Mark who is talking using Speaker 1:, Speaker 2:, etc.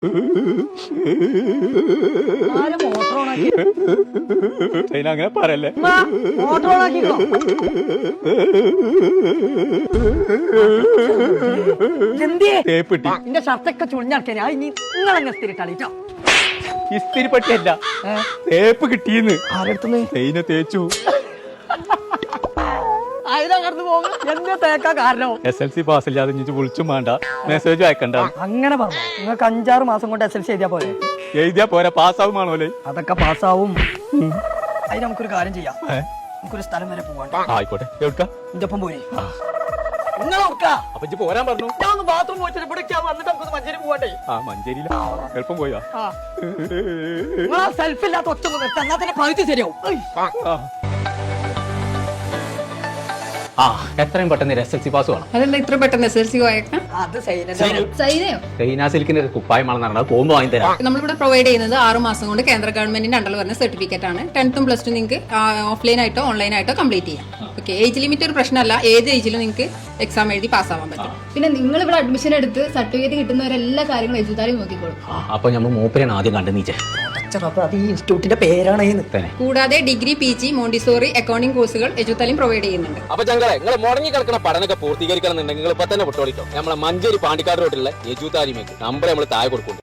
Speaker 1: അങ്ങനെ പറയല്ലേ.
Speaker 2: എന്റെ ഷർട്ടൊക്കെ ചുളിഞ്ഞാക്കിയാ നിങ്ങളെങ്ങനെ സ്ഥിരിട്ടാളിട്ടോ.
Speaker 1: ഇസ്തിരി പട്ടിയല്ല, തേപ്പ് കിട്ടിയെന്ന്.
Speaker 2: ആരെടുത്തുനിന്ന്
Speaker 1: തേയിനെ തേച്ചു.
Speaker 2: അതിനകത്ത് പോകും. എന്താ തേക്കാ കാരണം?
Speaker 1: SLC പാസ്സില്ലാതെ ഇനി വിളിച്ചും വേണ്ട, മെസ്സേജ് അയക്കണ്ട.
Speaker 2: അങ്ങനെ പറഞ്ഞു. നിങ്ങൾക്ക് 5-6 മാസം കൊണ്ട് SLC എഴുതിയാ പോലെ.
Speaker 1: എഴുതിയാ പോരാ, പാസ്സാവുമാണോല്ലേ?
Speaker 2: അതൊക്കെ പാസ്സാവും. അതിന് നമുക്കൊരു കാര്യം ചെയ്യാം. നമുക്കൊരു സ്ഥലം വരെ പോവാണ്ട്.
Speaker 1: ആയിക്കോട്ടെ. എവിടുക്ക?
Speaker 2: എന്റെ ഒപ്പം പോയി.
Speaker 1: അപ്പൊ ഇജ്ജ് പോരാൻ പറഞ്ഞു.
Speaker 2: ഞാൻ ഒന്ന് ബാത്റൂം പോയിട്ട് ഇവിടേക്ക് വന്നിട്ട് നമുക്ക് മഞ്ചേരി പോവാണ്ടേ.
Speaker 1: മഞ്ചേരിയില എളുപ്പം പോയാ.
Speaker 2: നിങ്ങൾ സെൽഫ് ഇല്ലാത്ത ഒറ്റ എന്നാ തന്നെ പകുതി ശരിയാവും.
Speaker 1: എത്രയും പെട്ടെന്ന് SLC പാസ് വേണം.
Speaker 3: അതെന്താ ഇത്ര പെട്ടെന്ന് SLC പോയേക്കാം?
Speaker 2: അത്
Speaker 3: സൈനയോ
Speaker 1: സിലിക്കിന്റെ കുപ്പായമാണ് നടന്നത്. പോകുമ്പോ വാങ്ങി തരാം.
Speaker 3: നമ്മളിവിടെ പ്രൊവൈഡ് ചെയ്യുന്നത് 6 മാസം കൊണ്ട് കേന്ദ്ര ഗവൺമെന്റിന്റെ അണ്ടർ വരുന്ന സർട്ടിഫിക്കറ്റ് ആണ്. 10th പ്ലസ് ടു നിങ്ങൾക്ക് ഓഫ്ലൈൻ ആയിട്ടോ ഓൺലൈൻ ആയിട്ടോ കംപ്ലീറ്റ് ചെയ്യാം. ഓക്കെ, ഏജ് ലിമിറ്റ് ഒരു പ്രശ്നമല്ല. ഏത് ഏജിലും നിങ്ങൾക്ക് എക്സാം എഴുതി പാസ്സാവാൻ പറ്റും.
Speaker 4: പിന്നെ നിങ്ങൾ ഇവിടെ അഡ്മിഷൻ എടുത്ത് സർട്ടിഫിക്കറ്റ് കിട്ടുന്നവരെല്ലാ കാര്യങ്ങളും എഴുതാനും നോക്കിക്കോളും.
Speaker 1: അപ്പൊ നമ്മൾ മൂപ്പരാണ് ആദ്യം കണ്ടു നീച്ചേ.
Speaker 2: അത് ഈ ഇൻസ്റ്റിറ്റ്യൂട്ടിന്റെ പേരാണ്.
Speaker 3: കൂടാതെ ഡിഗ്രി, PG, മോണ്ടിസോറി, അക്കൗണ്ടിംഗ് കോഴ്സുകൾ എജുത്താലും പ്രൊവൈഡ് ചെയ്യുന്നുണ്ട്.
Speaker 5: അപ്പൊ ഞങ്ങളെ നിങ്ങൾ മുടങ്ങി കിടക്കുന്ന പഠനമൊക്കെ പൂർത്തീകരിക്കണം എന്നുണ്ടെങ്കിൽ നിങ്ങൾ ഇപ്പൊ തന്നെ പൊട്ടോളിക്കോ. നമ്മളെ മഞ്ചേരി പാണ്ടിക്കാട് റോഡിലുള്ള എജുതാലിമേക്ക് നമ്പർ നമ്മൾ താഴെ കൊടുക്കും.